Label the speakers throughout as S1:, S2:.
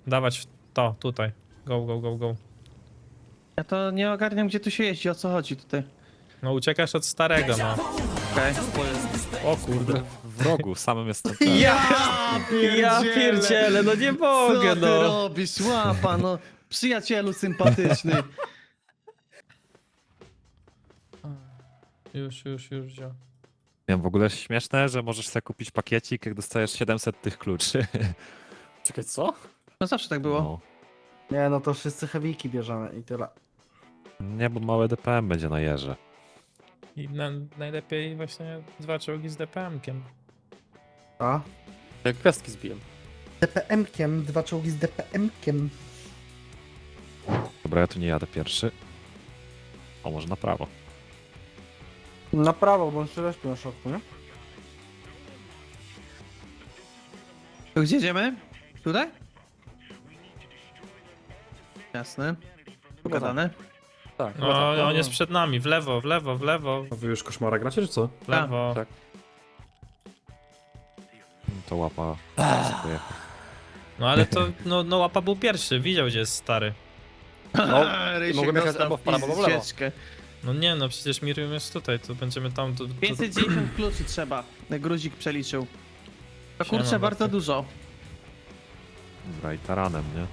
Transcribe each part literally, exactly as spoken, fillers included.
S1: Dawać w to, tutaj. Go, go, go, go.
S2: Ja to nie ogarniam, gdzie tu się jeździ, o co chodzi tutaj.
S1: No uciekasz od starego, no.
S2: Okej.
S1: O kurde.
S3: W rogu, samym jestem.
S2: Ja
S1: Ja pierdzielę, no nie mogę,
S2: Co ty
S1: no.
S2: robisz, łapa, no. Przyjacielu sympatyczny.
S1: Już, już, już wziął.
S3: Nie wiem, w ogóle śmieszne, że możesz sobie kupić pakiecik, jak dostajesz siedemset tych kluczy.
S4: Czekaj, co?
S2: No zawsze tak było.
S3: No.
S5: Nie, no to wszyscy heavyki bierzemy i tyle.
S3: Nie, bo małe D P M będzie na jeże.
S1: I na, najlepiej właśnie dwa czołgi z D P M-kiem.
S5: A?
S4: Jak gwiazdki zbiłem.
S5: D P M-kiem, dwa czołgi z D P M-kiem.
S3: Dobra, ja tu nie jadę pierwszy. O, może na prawo.
S5: Na prawo, bo on się respił na środku, nie?
S2: To gdzie idziemy? Tutaj? Jasne. Pogadane.
S4: Tak, chyba
S1: No,
S4: tak.
S1: on jest przed nami, w lewo, w lewo, w lewo,
S6: A wy już koszmara gracie, czy co?
S1: w lewo.
S4: tak.
S3: To łapa. Pojechał.
S1: No ale to, no, no łapa był pierwszy, widział gdzie jest stary.
S4: No,
S2: Rysiek
S4: mogłem jechać
S2: dostał
S4: albo w prawo, albo w lewo.
S2: pizdzieczkę.
S1: No nie no, przecież Miriam jest tutaj, to będziemy tam, to... to...
S2: pięćset dziewięćdziesiąt kluczy trzeba. Gruzik przeliczył. To
S1: Siema,
S2: kurczę, bardzo
S1: Bartek.
S2: dużo.
S3: Dobra, i taranem, nie?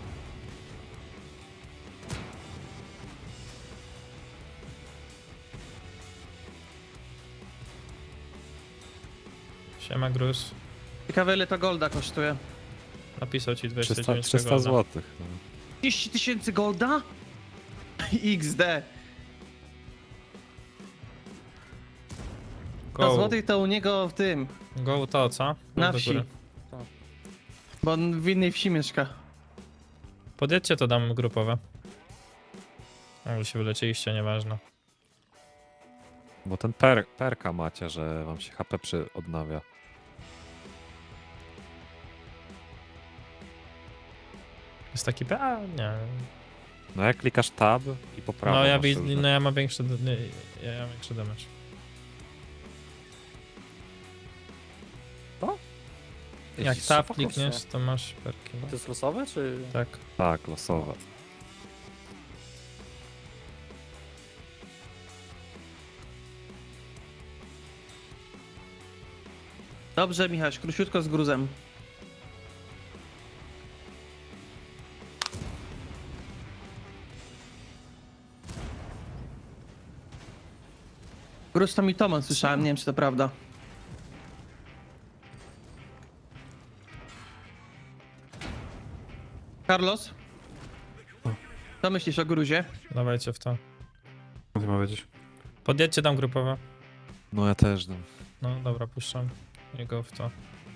S1: Siema Gruz.
S2: Ciekawe ile to golda kosztuje.
S1: Napisał ci dwieście
S3: trzysta,
S1: dziewięćdziesiąt
S3: trzysta
S1: golda.
S3: złotych. No.
S2: trzydzieści tysięcy golda? X D. To
S1: Go,
S2: złotych to u niego w tym,
S1: go to, co? Go
S2: na
S1: do
S2: wsi.
S1: góry.
S2: Bo on w innej wsi mieszka.
S1: Podjedźcie to dam grupowe. O, wy się wylecieliście, nieważne.
S3: Bo ten per, perka macie, że wam się H P przy odnawia.
S1: Jest taki P? A, nie.
S3: No jak klikasz tab i po prawo
S1: No ja,
S3: masz
S1: wi-
S3: różne-
S1: no ja mam większy, nie, ja mam większy damage. Jak
S3: Jeździsz
S1: tab
S3: szybko?
S1: klikniesz, to masz perki.
S4: To jest losowe, czy...
S1: Tak.
S3: Tak, losowe.
S2: Dobrze, Michał, króciutko z gruzem. Gruz to mi Toman słyszałem, nie wiem czy to prawda. Carlos? Co myślisz o gruzie?
S1: Dawajcie w to.
S6: Co ty ma wiedzieć?
S1: Podjedźcie tam grupowe.
S3: No ja też. No.
S1: No dobra, puszczam. Jego w to.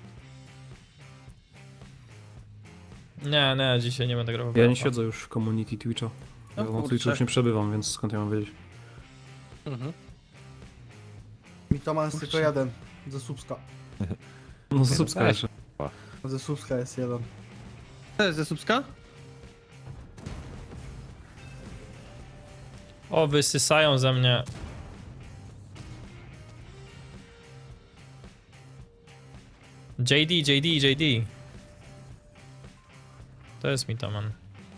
S1: Nie, nie, dzisiaj nie będę grał w
S6: Ja nie
S1: Europa.
S6: siedzę już w community Twitcha.
S2: No
S6: Ja na
S2: kurczę.
S6: Twitchu już nie przebywam, więc skąd ja mam wiedzieć?
S4: Mhm.
S5: Mi to ma jest tylko jeden. Ze Słupska.
S6: No za subska jeszcze.
S5: Ze Słupska jest jeden.
S2: To jest ze Słupska?
S1: O, wysysają ze mnie. J D, J D, J D. To jest Mitoman.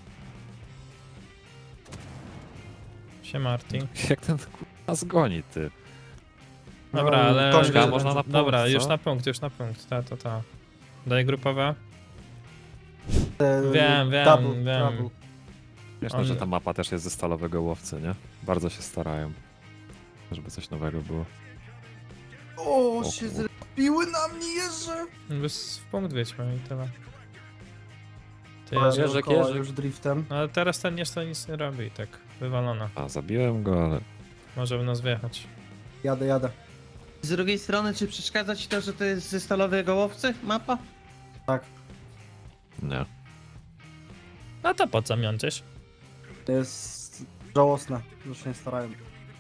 S1: Siema Arti.
S3: Jak ten kurwa zgoni, ty.
S1: Dobra,
S5: No,
S1: ale...
S5: to
S3: Czekaj, można na punkt,
S1: Dobra,
S3: co?
S1: już na punkt, już na punkt. Ta, ta, ta. Daj grupowe.
S5: E,
S1: Wiem, wiem,
S5: double,
S1: wiem.
S5: double.
S3: Wieszne,
S1: On-
S3: że ta mapa też jest ze stalowego łowcy, nie? Bardzo się starają. Żeby coś nowego było.
S5: O,
S3: O
S5: się
S3: kur-
S5: zrespiły na mnie jeżdżę.
S1: Bez w punkt wiedźmy i tyle. Ty
S5: Jeżdżę
S1: jeżdżę.
S4: Jeżek,
S5: koła
S4: jeżek.
S5: już driftem.
S1: No ale teraz ten jeszcze nic nie robi i tak. Wywalona.
S3: A, zabiłem go, ale...
S1: Może w nas wjechać.
S5: Jadę, jadę.
S2: Z drugiej strony, czy przeszkadza ci to, że to jest ze stalowej gołowcy mapa?
S5: Tak.
S3: Nie.
S1: No to po co miączysz?
S5: To jest żałosne, że się nie starają.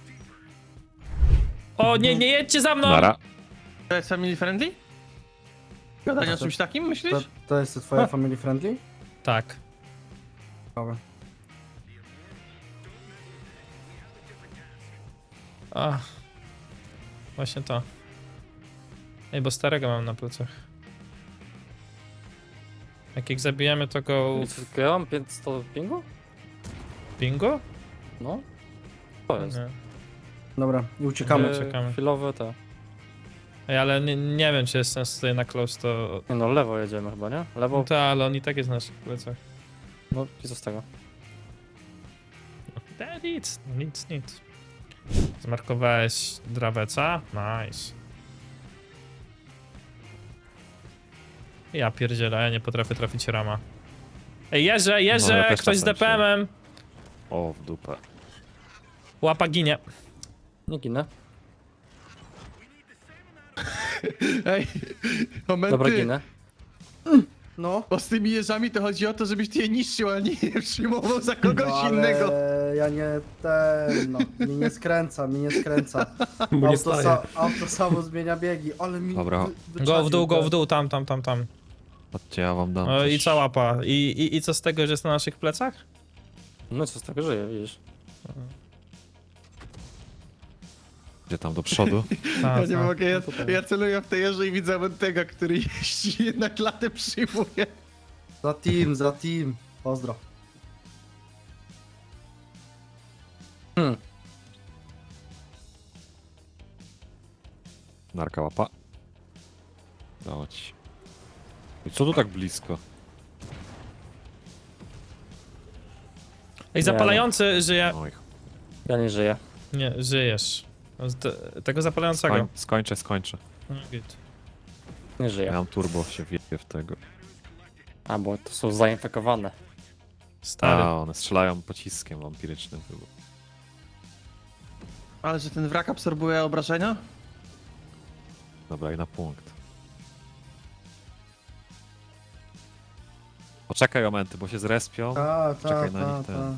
S1: O nie, nie jedźcie za mną!
S3: Nara.
S2: To jest family friendly? Gadanie o czymś takim, myślisz?
S5: To, to jest twoja family friendly?
S1: Tak.
S5: Dobra.
S1: Ach. Właśnie to. Ej, bo starego mam na plecach. Jak ich zabijemy, to go
S4: I co, Ja mam pięćset pingu?
S1: bingo?
S4: No. To jest.
S1: Nie.
S5: Dobra, i uciekamy.
S1: Nie. Czekamy.
S4: Chwilowe te.
S1: Ej, ale nie, nie wiem, czy jest sens tutaj na close to...
S4: Nie no, lewo jedziemy chyba, nie? Lewo.
S1: No to, ale on i tak jest na naszych plecach.
S4: No i co z tego?
S1: Da, nic, nic, nic. Zmarkowałeś draweca? Nice. Ja pierdzielę, ja nie potrafię trafić rama. Ej, jeżdżę,
S3: No,
S1: jeżdżę,
S3: ja też
S1: ktoś z
S3: czasem
S1: D P M-em.
S3: O, w dupę.
S1: Łapa ginie.
S4: Nie ginę.
S2: Ej, momenty.
S4: Dobra, ginę.
S5: No.
S2: Bo z tymi jeżami to chodzi o to, żebyś ty je niszczył, a nie je przyjmował za kogoś
S5: no, ale
S2: innego.
S5: ja nie ten, no. Mi nie skręca, mi nie skręca.
S6: Bo nie
S5: Auto,
S6: staje.
S5: sa, auto samo zmienia biegi, ale mi
S3: Dobra.
S5: wy-
S1: Go w dół, go w
S5: wyczaił
S1: dół, tam, tam, tam, tam.
S3: Chodźcie, ja wam dam
S1: O, I
S3: też-
S1: co łapa? I, i, I co z tego, że jest na naszych plecach?
S4: No i co z tego żyje, widzisz?
S3: Gdzie tam, do przodu?
S1: Ta,
S2: Ja nie
S1: ta.
S2: mogę, ja,
S4: tutaj.
S2: ja celuję w te jeże i widzę Mentega, który jeździ jednak latę przyjmuje.
S5: Za team, za team. Pozdro.
S4: Hmm.
S3: Narka łapa. Dało ci. I co tu tak blisko?
S1: Ej, zapalający żyje.
S3: Oj,
S4: Ja nie żyję.
S1: Nie, żyjesz. No, z te- Tego zapalającego.
S3: skoń, skończę, skończę.
S1: No, git.
S4: Nie
S3: Ja
S4: żyję.
S3: mam turbo, się wieje w tego.
S4: A, bo to są zainfekowane.
S1: Stary.
S3: A, one strzelają pociskiem wampirycznym chyba.
S2: Ale że ten wrak absorbuje obrażenia?
S3: Dobra, i na punkt. Poczekaj momenty, bo się zrespią.
S5: Ta, ta,
S3: Czekaj na
S5: ta,
S3: nich,
S5: ta.
S3: ten.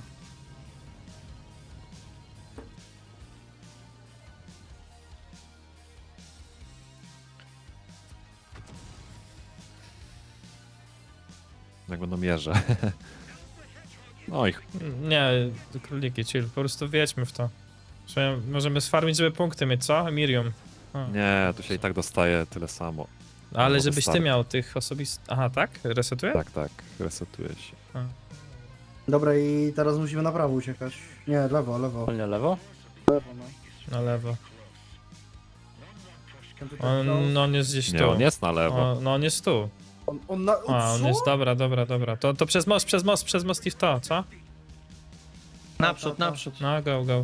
S3: Jak będą mierze. No i ch-
S1: Nie, króliki, chill. Po prostu wjedźmy w to. Że możemy sfarmić, żeby punkty mieć, co? Miriam. O.
S3: nie, tu się i tak dostaje tyle samo.
S1: Ale
S3: no,
S1: żebyś ty
S3: start.
S1: miał tych osobistych... Aha, tak? Resetuje?
S3: Tak, tak, resetuje się.
S5: Dobra, i teraz musimy na prawo uciekać. Nie, lewo, lewo.
S4: Ale nie lewo?
S5: Lewo, no.
S1: Na lewo.
S5: Ten tutaj
S1: On, no, on jest gdzieś
S3: Nie,
S1: tu.
S3: on jest na lewo.
S1: O, no on jest tu.
S5: on, on na...
S1: A, on
S5: co?
S1: jest, dobra, dobra, dobra. To, to przez most, przez most, przez most i w to, co?
S2: Naprzód,
S5: ta, ta.
S2: naprzód.
S1: No, go, go.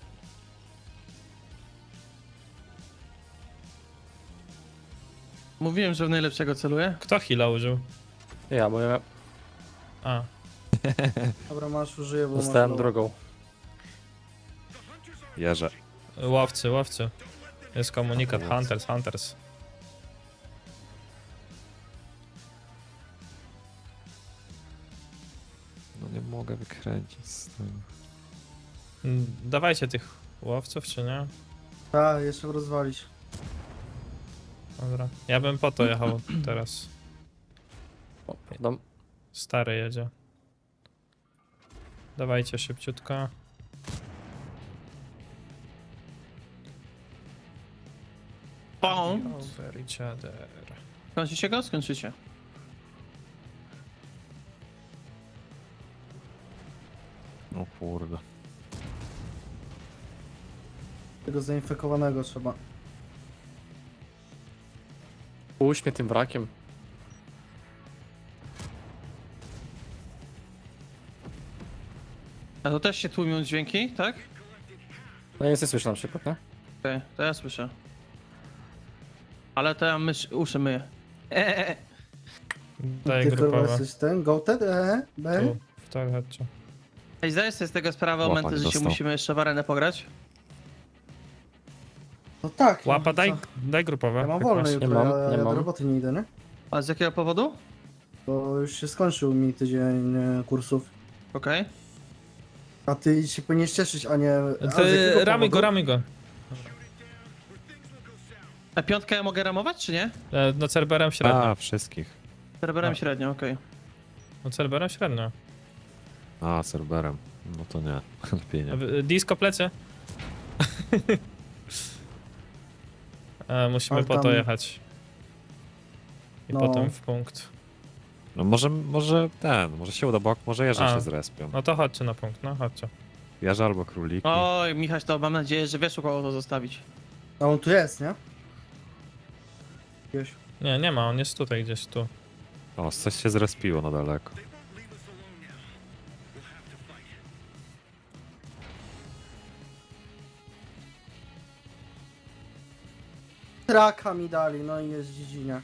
S2: Mówiłem, że w najlepszego celuję.
S1: Kto heala użył?
S4: Ja, bo ja
S1: A,
S5: Dobra, masz, użyję, bo masz
S4: dostałem
S5: low.
S4: drugą.
S3: Jeże.
S1: łowcy, łowcy. Jest komunikat,
S3: Łowcy.
S1: hunters, hunters.
S3: No nie mogę wykręcić z tym.
S1: Mm, Dawajcie tych łowców, czy nie?
S5: Tak, jeszcze rozwalić.
S1: Dobra. Ja bym po to jechał teraz.
S4: O, dam.
S1: Stary jedzie. Dawajcie szybciutko.
S2: Pum.
S1: Over each other.
S2: Skończycie go? Skończycie.
S3: O kurde.
S5: Tego zainfekowanego trzeba.
S4: Puść mnie tym wrakiem.
S2: A to też się tłumią dźwięki, tak?
S4: No nic nie słyszę na przykład, nie?
S2: Okej, to ja słyszę. Ale to ja mysz, uszy myję. Eee.
S1: Daję
S5: Ty kurwa
S1: grupowe.
S5: jesteś ten? Goated? E? B?
S1: Tu, w to chodźcie.
S2: Ej, zdajesz sobie z tego sprawę,
S3: Łapa
S2: momenty,
S3: nie
S2: że się
S3: dostał.
S2: musimy jeszcze w arenę pograć?
S5: No tak.
S1: Łapa,
S5: no,
S1: daj,
S5: co?
S1: daj grupowe.
S5: Ja mam
S1: jak
S5: wolne
S1: masz.
S5: jutro,
S4: mam,
S5: ja,
S4: nie
S5: ja do
S4: mam.
S5: roboty nie idę, nie?
S2: A z jakiego powodu?
S5: Bo już się skończył mi tydzień e, kursów.
S2: Okej.
S5: A ty się powinieneś cieszyć, a nie... A z
S1: Ty,
S5: jakiego
S1: ramy go,
S5: powodu?
S1: ramy go.
S2: A piątkę ja mogę ramować, czy nie?
S1: E, No Cerberem średnio.
S3: A, wszystkich.
S2: Serwerem
S1: A.
S2: średnio, okej.
S1: No Cerberem średnio.
S3: A, serwerem. No to nie. Lepiej nie.
S1: A wy- Disco plecy. e, musimy
S5: Ale
S1: po to
S5: tam-
S1: jechać. I
S5: No.
S1: potem w punkt.
S3: No może, może ten, może się uda, bo może jeże
S1: A.
S3: się zrespią.
S1: No to chodźcie na punkt, no chodźcie.
S3: Jeże albo króliki.
S2: Oj, Michał, to mam nadzieję, że wiesz, u kogo to zostawić.
S5: A on tu jest, nie? Gdzieś.
S1: Nie, nie ma, on jest tutaj gdzieś tu.
S3: O, coś się zrespiło na daleko.
S5: Traka mi dali, no i jest dziedzinia.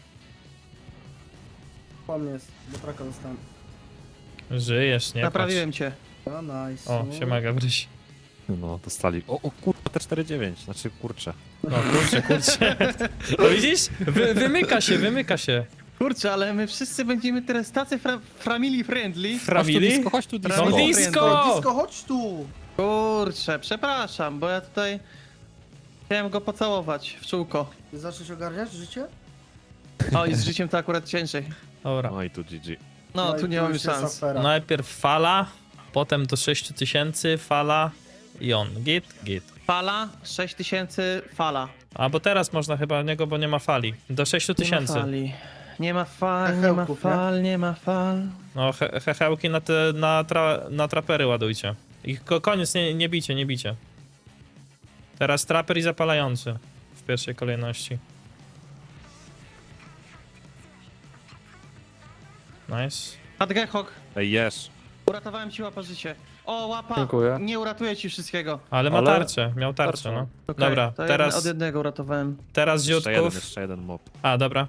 S5: Po mnie jest, bo traka dostałem.
S1: Żyjesz, nie
S2: Naprawiłem cię.
S5: No nice.
S1: patrz. O, siema Gabryś.
S3: No, dostali. O, o kurwa, T czterdzieści dziewięć, znaczy kurczę.
S1: No kurczę, kurczę. No widzisz? Wy, wymyka się, wymyka się.
S2: Kurczę, ale my wszyscy będziemy teraz tacy fra family friendly.
S1: Frawili?
S3: Chodź tu,
S2: disco.
S1: No
S2: Disco.
S1: disco!
S5: Disco, chodź tu!
S2: Kurczę, przepraszam, bo ja tutaj chciałem go pocałować w czółko.
S5: Ty zaczniesz ogarniać życie?
S2: O, i z życiem to akurat ciężej.
S1: Dobra.
S3: No i tu G G.
S2: No,
S5: i
S2: tu nie mamy
S5: już jest
S2: szans.
S5: afera.
S1: Najpierw fala, potem do sześć tysięcy, fala i on. Git, git.
S2: Fala, sześć tysięcy, fala.
S1: A bo teraz można chyba niego, bo nie ma fali. Do sześć
S2: Nie ma
S1: tysięcy.
S2: fali. Nie ma fal, nie ma
S5: Hechełków, nie?
S2: fal, nie ma fal.
S1: No he, hechełki na te, na, tra, na trapery ładujcie. I ko, koniec, nie, nie bicie, nie bicie. Teraz traper i zapalający. W pierwszej kolejności. Nice.
S2: Adgehok,
S3: Ej, jesz.
S2: uratowałem ci łapa życie. O, łapa!
S4: Dziękuję.
S2: Nie uratuję ci wszystkiego.
S1: Ale ma
S4: Ale-
S1: tarczę, miał tarczę,
S4: Tarczę.
S1: no.
S2: Okej,
S1: Dobra,
S2: to
S1: teraz-
S2: jedne- od jednego uratowałem.
S1: Teraz
S3: Jeszcze jeden,
S1: ziutków.
S3: jeszcze jeden mob.
S1: A, dobra.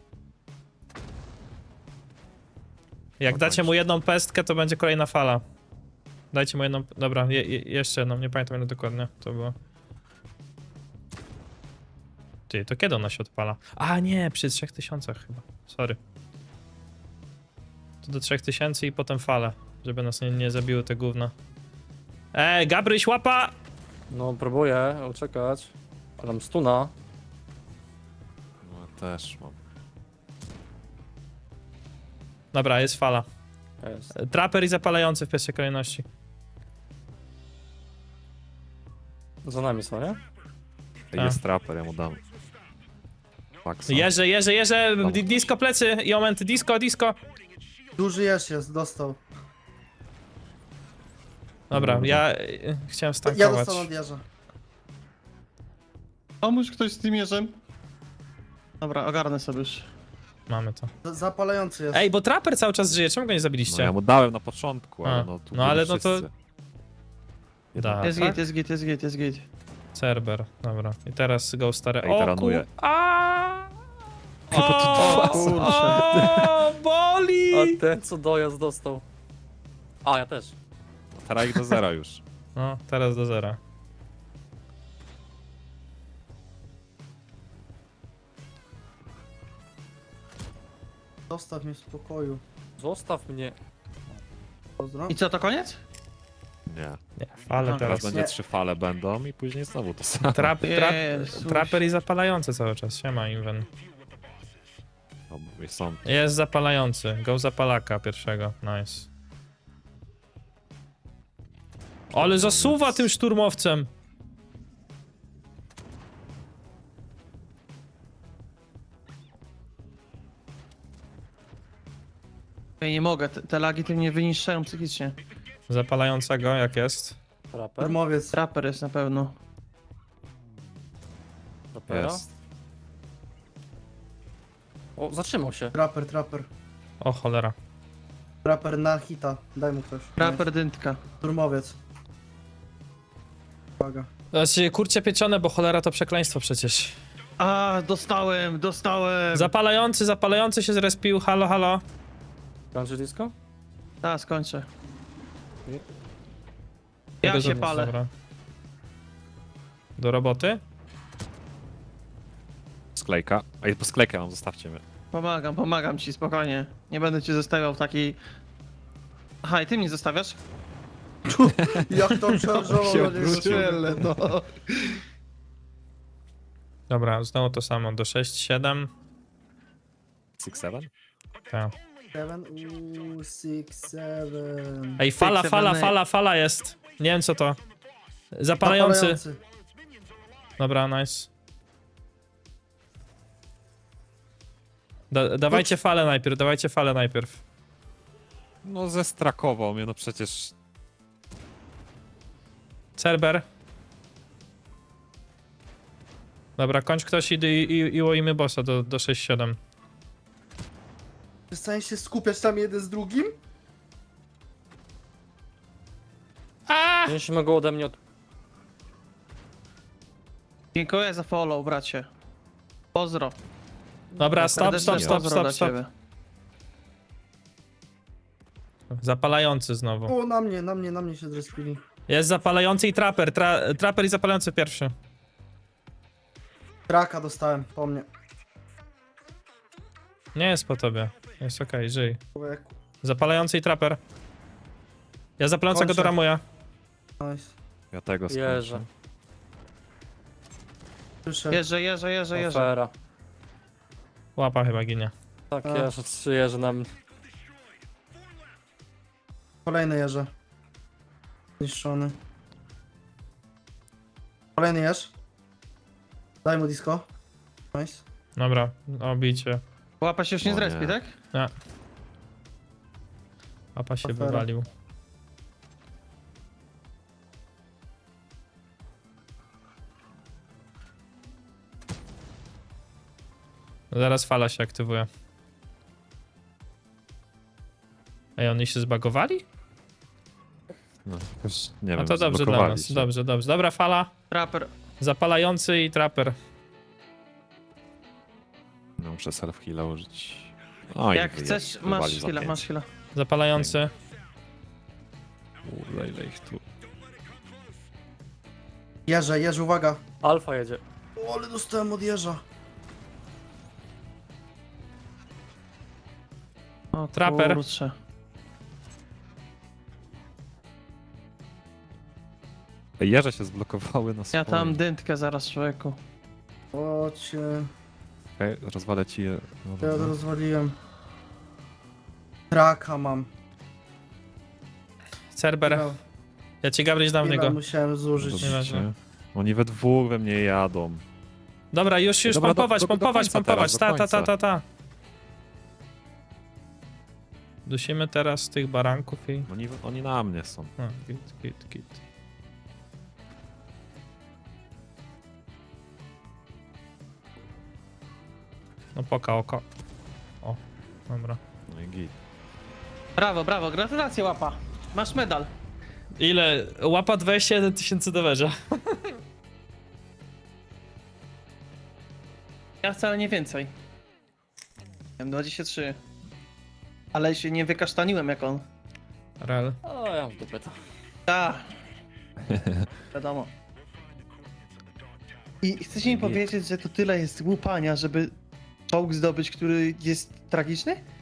S1: Jak
S3: No
S1: dacie
S3: kończ.
S1: mu jedną pestkę, to będzie kolejna fala. Dajcie mu jedną... Dobra, je, je, jeszcze jedną, nie pamiętam ile dokładnie to było. Ty, to kiedy ona się odpala? A, nie, przy trzech tysiącach chyba. Sorry. To do trzech tysięcy i potem fale, żeby nas nie, nie zabiły te gówna. Ej, Gabryś, łapa!
S4: No próbuję uciekać. Ale mam stuna.
S3: No ja też mam.
S1: Dobra, jest fala.
S4: Jest.
S1: Traper i zapalający w pierwszej kolejności.
S4: Za nami są, nie?
S3: Ej,
S1: A.
S3: jest trapper, ja mu dam. Faxa.
S1: Jeże, jeże, jeże, di- disco plecy i momenty, disco, disco.
S5: Duży jesz jest, dostał.
S1: Dobra,
S3: Dobra.
S1: ja y, chciałem
S5: Ja
S1: stankować.
S5: dostałem od jeża.
S2: Pomóż ktoś z tym jeżem. Dobra, ogarnę sobie już.
S1: Mamy to.
S5: Z- Zapalający jest.
S1: Ej, bo Trapper cały czas żyje, czemu go nie
S3: No
S1: zabiliście?
S3: ja mu dałem na początku,
S1: A,
S3: ale no tu
S1: no ale
S3: byli
S1: no to-
S3: wszyscy.
S1: Da,
S2: Jest
S1: tak?
S2: git, jest git, jest git, jest git.
S1: Cerber, dobra. I teraz go stary.
S3: Ej,
S1: O,
S3: taranuję.
S1: ku... A!
S2: O,
S1: O,
S2: kurczę.
S1: o, boli!
S4: A ten co dojazd dostał. A, ja też.
S3: Teraz ich do zera już.
S1: No, teraz do zera.
S5: Zostaw mnie w spokoju.
S4: Zostaw mnie.
S5: Pozdro.
S2: I co, to koniec?
S3: Nie.
S1: Nie, ale
S2: Aha.
S3: Teraz
S1: teraz.
S3: będzie
S5: Nie.
S3: trzy fale będą i później znowu to samo.
S1: Trap, trap,
S2: Jezus.
S1: traper i zapalający cały czas, siema Inven.
S3: No, i są.
S1: Jest zapalający, go zapalaka pierwszego, nice. Ale zasuwa tym szturmowcem!
S2: Ja nie mogę, te, te lagi tym mnie wyniszczają psychicznie.
S1: Zapalającego, jak jest?
S4: Trapper.
S5: Termowiec.
S2: Trapper jest na pewno.
S4: Trappera.
S3: Jest.
S4: O, zatrzymał się.
S5: Trapper, trapper.
S1: O cholera.
S5: Trapper na hita. Daj mu ktoś.
S2: Trapper dyntka.
S5: Turmowiec. Uwaga.
S1: Znaczy, kurcie pieczone, bo cholera to przekleństwo przecież.
S2: A, dostałem, dostałem.
S1: Zapalający, zapalający się zrespił, halo, halo.
S4: Kończy disco?
S2: Tak, skończę.
S4: Nie.
S2: Ja
S1: Tego
S2: się
S1: zrobić,
S2: palę.
S1: dobra. Do roboty?
S3: Sklejka. Ej, po sklejkę mam, zostawcie mnie.
S2: Pomagam, pomagam ci, spokojnie. Nie będę cię zostawiał w takiej... Aha, i ty mnie zostawiasz?
S5: Jak to przerżował do niego.
S2: no.
S1: Dobra, znowu to samo, do sześć siedem.
S3: six seven?
S1: Tak.
S5: Seven, uuu, six, seven.
S1: Ej, fala,
S2: Six,
S1: fala,
S2: seven,
S1: fala, fala jest. Nie wiem co to. Zapalający.
S5: Zapalający.
S1: Dobra, nice. Da, dawajcie falę najpierw, dawajcie falę najpierw.
S3: No zestrakował mnie, no przecież...
S1: Cerber. Dobra, kończ ktoś i, i, i, i łoimy bossa do, do sześć siedem.
S5: Przestań się skupiać tam jeden z drugim?
S4: Musimy go ode mnie od...
S2: Dziękuję za follow, bracie. Pozdro.
S1: Dobra, stop,
S2: Serdeczne
S1: stop, stop,
S2: pozdro
S1: stop,
S2: dla
S1: stop.
S2: ciebie.
S1: Zapalający znowu.
S5: O, na mnie, na mnie, na mnie się zrespili.
S1: Jest zapalający i traper. Tra traper i zapalający pierwszy.
S5: Traka dostałem, po mnie.
S1: Nie jest po tobie. Jest okej, żyj.
S5: Człowieku.
S1: Zapalający i traper. Ja zapalającego
S5: Kończę.
S1: doramuję.
S5: Nice.
S3: Ja tego
S4: Jeże.
S3: skończę.
S5: Słyszę.
S2: Jeżdżę, jeżdżę, jeżdżę, jeżdżę.
S4: Afera.
S1: Łapa chyba ginie.
S4: Tak,
S5: A.
S4: jeże, trzy jeże na mnie.
S5: Kolejny jeże. Zniszczony. Kolejny jeż. Daj mu disco. Nice.
S1: Dobra, obicie.
S2: Łapa się już nie
S3: O
S2: zrespi,
S3: nie.
S2: tak?
S1: Nie. Łapa się
S5: Afera.
S1: wywalił. Zaraz fala się aktywuje. Ej, oni się zbagowali?
S3: No, jakoś, nie
S1: No
S3: wiem,
S1: to dobrze dla
S3: zblokowali
S1: nas.
S3: się.
S1: Dobrze, dobrze. Dobra fala.
S2: Trapper.
S1: Zapalający i traper.
S3: No, muszę self-heal'a użyć. O, i
S2: Jak
S3: wyje-
S2: chcesz,
S3: wywalił
S2: masz
S3: za
S2: chwilę,
S3: pięć.
S2: masz chwilę.
S1: Zapalający.
S3: Kurde, ile ich tu...
S5: Jeże, jeże, uwaga.
S4: Alfa jedzie.
S5: O, ale dostałem od jeża.
S2: O,
S1: Trapper.
S2: kurczę.
S3: Ej, jeże się zblokowały na swoim.
S2: Ja tam dętkę zaraz, człowieku.
S5: O cię.
S3: Okej, rozwalę ci je. No,
S5: Ja
S3: dobra.
S5: to rozwaliłem. Traka mam.
S1: Cerber.
S5: Ja,
S1: Ja ci Gabryś dam w
S5: ile
S1: niego.
S5: musiałem zużyć.
S3: Dobrze.
S1: Nieważne.
S3: Oni we dwóch we mnie jadą.
S1: Dobra, już, już
S3: Dobra, do-
S1: pompować,
S3: do- do
S1: pompować,
S3: końca
S1: pompować.
S3: teraz,
S1: Ta,
S3: do
S1: ta, ta,
S3: końca.
S1: ta, ta. Dusimy teraz tych baranków i...
S3: Oni, oni na mnie są.
S1: A, git, git, git. No poka oko. O, dobra.
S3: No i git.
S2: Brawo, brawo, gratulacje, łapa. Masz medal.
S1: Ile? Łapa dwadzieścia jeden tysięcy do węża.
S2: Ja wcale nie więcej. Miałem dwadzieścia trzy. Ale się nie wykasztaniłem jak on.
S1: Rel.
S4: O, ja mam dupę to.
S2: Tak. Wiadomo. I chcecie mi powiedzieć, że to tyle jest łupania, żeby czołg zdobyć, który jest tragiczny?